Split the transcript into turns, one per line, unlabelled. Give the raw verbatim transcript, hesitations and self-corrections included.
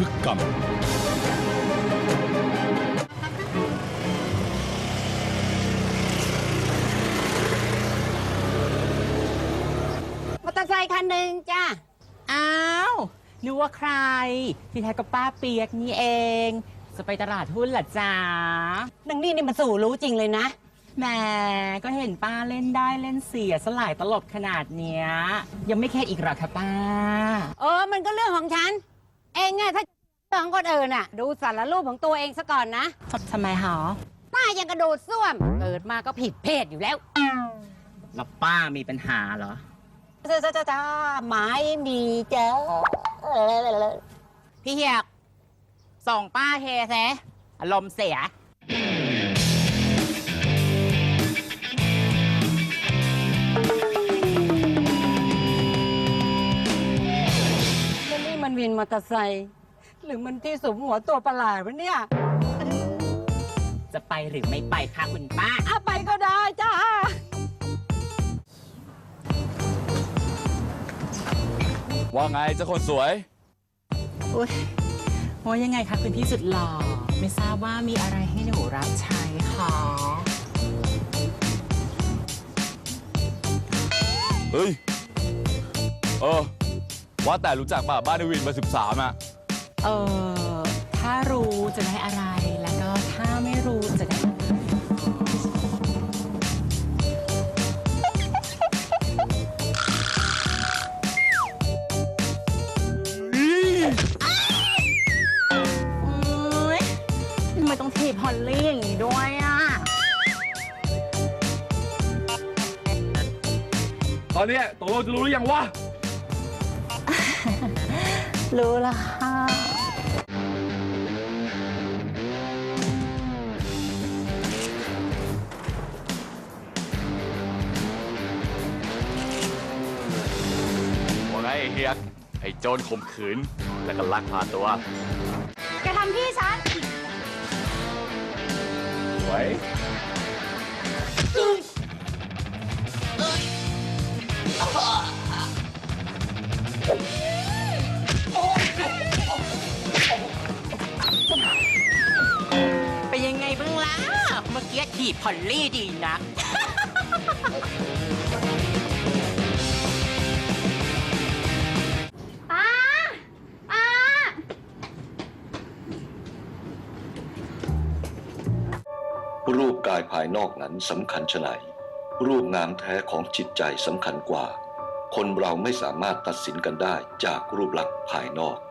ทึกกรรม
มอเตอร์ไซค์คันหนึ่งจ้า
อ้าวนึกว่าใครที่แท้ก็ป้าเปียกนี่เองจะไปตลาดหุ้นเหรอจ๊ะ
นังนี่นี่มันสู่รู้จริงเลยนะ
แหมก็เห็นป้าเล่นได้เล่นเสียสลายตลบขนาดเนี้ยยังไม่แค่อีกหรอคะป้า
เออมันก็เรื่องของฉัน เองอะถ้าเรื่องของคนอื่นอะดูสารรูปของตัวเองซะก่อนนะ
ทำไมหรอ
ป้ายังกระโดดส้วมเกิดมาก็ผิดเพศอยู่แล้ว
แล้วป้ามีปัญหาเหรอ
จ้าจ้าจ้าจ้าหมายมีเจ้าพี่เหียกส่งป้าเฮแซอารมณ์เสียแล้วนี่มันวินมอเตอร์ไซค์หรือมันที่สมหัวตัวประหลาดวะเนี่ย
จะไปหรือไม่ไปคะคุณป้า
อ่ะไปก็ได้จ้า
ว่าไงเจ้าคนสวย
อุ้ยว่ายังไงคะคุณพี่สุดหล่อไม่ทราบว่ามีอะไรให้หนูรับใช้คะ
เฮ้ย เออ ว่าแต่รู้จักป่ะบ้านในวินเบอร์สิบสามอ่ะ
เออถ้ารู้จะได้อะไรแล้วก็ถ้าไม่รู้จะได้อะไรอุ๊ยทำไมต้องถีบฮอลลี่อย่างนี้ด้วยอ่ะ
ตอนเนี้ยตกลงจะรู้หรือยังวะ
รู้ละค่ะ
ว่าไงไอ้เฮียก ไอ้โจรข่มขืน แล้วก็ลักพาตัว
แกทำพี่ฉัน
สวย
เป็นยังไงบ้างล่ะ เมื่อกี้ถีบฮอลลี่ดีนะ
ป้า ป้า
รูปกายภายนอกนั้นสำคัญไฉนรูปงามแท้ของจิตใจสำคัญกว่า คนเราไม่สามารถตัดสินกันได้จากรูปลักษณ์ภายนอก